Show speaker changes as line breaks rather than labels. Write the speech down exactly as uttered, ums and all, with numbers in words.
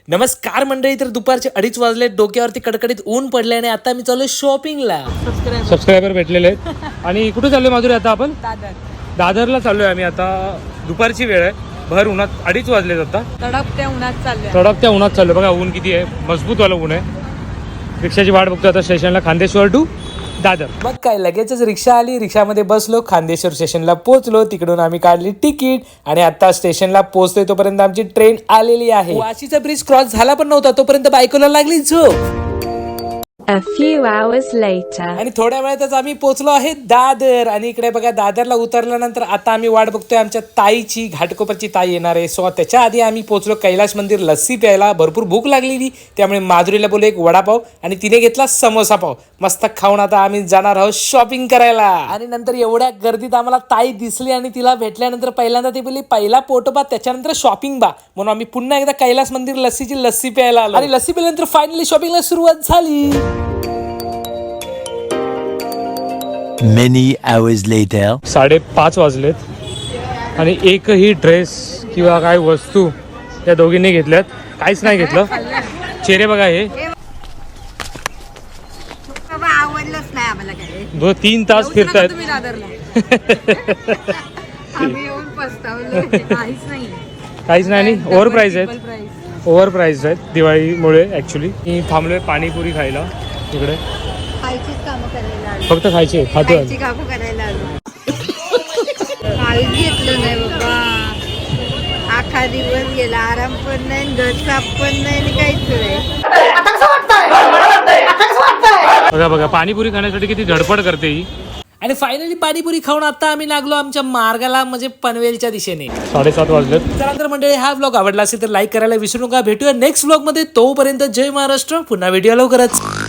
नमस्कार मंडळी, तर दुपारचे अडीच वाजले, डोक्यावरती कडकडीत ऊन पडले आणि आता मी चालू शॉपिंगला.
सबस्क्रायबर भेटलेले आहेत. आणि कुठे चाललोय माधुरी आता आपण?
दादर
दादरला चाललोय आम्ही. आता दुपारची वेळ आहे, भर उन्हात अडीच वाजलेत. आता
तडकत्या उन्हात चाललोय.
तडकत्या उन्हात चाललोय. बघा ऊन किती आहे, मजबूत वाला ऊन आहे. रिक्षाची वाट बघतो आता स्टेशनला, खांदेश्वर टू दादर.
मग काय, लगेचच रिक्षा आली, रिक्षामध्ये बसलो, खांदेश्वर स्टेशनला पोहोचलो. तिकडून आम्ही काढली तिकीट आणि आता स्टेशनला पोहोचतोय तोपर्यंत आमची ट्रेन आलेली आहे. वाशीचा ब्रिज क्रॉस झाला पण नव्हता तोपर्यंत बायकोला लागली झोप.
A few hours later.
आणि थोड्या वेळातच आम्ही पोहोचलो आहे दादर. आणि इकडे बघा, दादरला उतरल्यानंतर आता आम्ही वाट बघतोय आमच्या ताईची. घाटकोपरची ताई येणार आहे. सो त्याच्या आधी आम्ही पोहोचलो कैलास मंदिर लस्सी प्यायला. भरपूर भूक लागलेली, त्यामुळे माधुरीला बोललो एक वडापाव आणि तिने घेतला समोसा पाव. मस्त खाऊन आता आम्ही जाणार आहोत शॉपिंग करायला. आणि नंतर एवढ्या गर्दीत आम्हाला ताई दिसली आणि तिला भेटल्यानंतर पहिल्यांदा ती बोलली पहिला पोटोबा त्याच्यानंतर शॉपिंग बा, म्हणून आम्ही पुन्हा एकदा कैलास मंदिर लस्सीची लस्सी प्यायला आलो. आणि लस्सी प्यायल्यानंतर फायनली शॉपिंगला सुरुवात झाली.
Many hours later.
साडेपाच वाजलेत आणि एकही ड्रेस किंवा काय वस्तू त्या दोघींनी घेतल्यात. काहीच नाही घेतलं. चेहरे बघा, हे
आवडलंच नाही आम्हाला काय.
दोन तीन तास फिरतायत.
तुम्ही दादरला आम्ही येऊन पस्तावलो. काहीच नाही,
काहीच नाही. आणि ओव्हर प्राईज आहेत,
प्राइस.
ओव्हर प्राईज आहेत दिवाळीमुळे. ॲक्च्युली मी थांबलोय पाणीपुरी खायला इकडे.
खायचीच कामं करायला आलो.
फक्त खायचे खातो.
खायची कामं करायला आलो. काहीच घेतलं नाही बाबा. आखा दिवस गेला, आराम पण नाही, घर साफ पण नाही आणि काहीच नाही.
बघा बघा, पाणीपुरी खाण्यासाठी किती धडपड करते ही.
आणि फायनली पाणीपुरी खाऊन आता आम्ही लागलो आमच्या मार्गाला, म्हणजे पनवेलच्या दिशेने.
साडेसात वाजलेत.
त्यानंतर मंडळी, हा व्लॉग आवडला असेल तर लाईक करायला विसरू नका. भेटूया नेक्स्ट व्लॉग मध्ये. तोपर्यंत जय महाराष्ट्र. पुन्हा व्हिडिओ लवकरच.